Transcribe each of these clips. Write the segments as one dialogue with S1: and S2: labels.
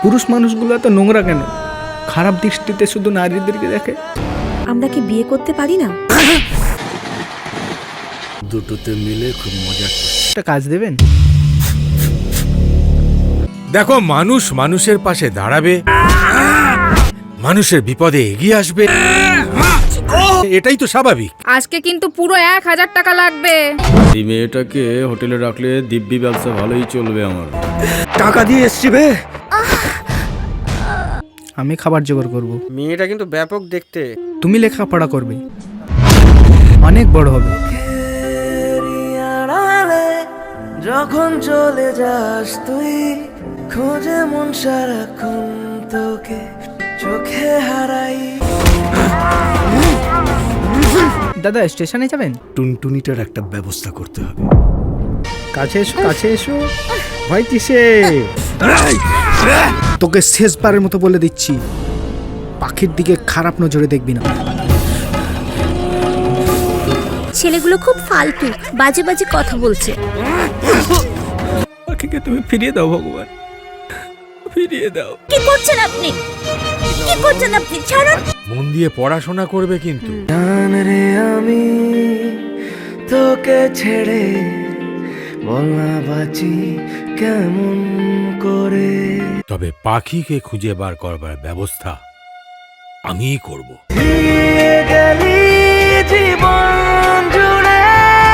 S1: পুরুষ মানুষগুলো এত নোংরা কেন? খারাপ দৃষ্টিতে শুধু নারীদেরকে দেখে।
S2: আমরা কি বিয়ে করতে পারি না?
S3: দুটোতে মিলে খুব মজা।
S1: একটা কাজ দেবেন?
S3: দেখো, মানুষ মানুষের পাশে দাঁড়াবে, মানুষের বিপদে এগিয়ে আসবে, এটাই তো স্বাভাবিক।
S4: আজকে কিন্তু পুরো 1000 টাকা লাগবে।
S5: এই মেয়েটাকে হোটেলে রাখলে দিব্যি ব্যবসা ভালোই চলবে আমার।
S3: টাকা দিয়ে এসছি বে।
S1: আমি খাবার জোগাড় করব,
S6: মেয়েটা কিন্তু ব্যাপক দেখতে।
S1: তুমি লেখাপড়া করবে, অনেক বড় হবে।
S7: যখন চলে যাস তুই, খোঁজে মন সারাক্ষণ তোকে, চোখে হারাই।
S1: দাদা স্টেশনে যাবেন?
S3: টুনটুনিটার একটা ব্যবস্থা করতে হবে।
S1: কাছে এসো, কাছে এসো। ভয় কিসে? তোকে শেষবারের মতো বলে দিচ্ছি, পাখির দিকে খারাপ নজরে দেখবি না।
S2: ছেলেগুলো খুব ফালতু, বাজে বাজে কথা বলছে।
S1: পাখিকে তুমি ফিরিয়ে দাও ভগবান, ফিরিয়ে দাও।
S2: কি করছেন আপনি? কি করছেন আপনি? ছাড়ুন।
S3: মন দিয়ে পড়াশোনা করবে কিন্তু।
S7: জান রে আমি তোকে ছেড়ে, বল না বাঁচি কেমন করে।
S3: তবে পাখিকে খুঁজে বার করবার ব্যবস্থা আমিই করব।
S7: দিয়ে গেলি জীবন জুড়ে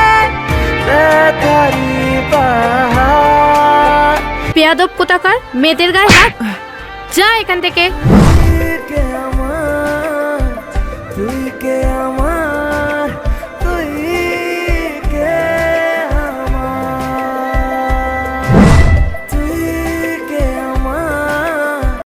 S7: ব্যথারি পাহাড়।
S4: বেয়াদব কোথাকার, মেয়েদের গায়ে হাত। যা এখান থেকে।
S7: তুই কে আমার, তুই কে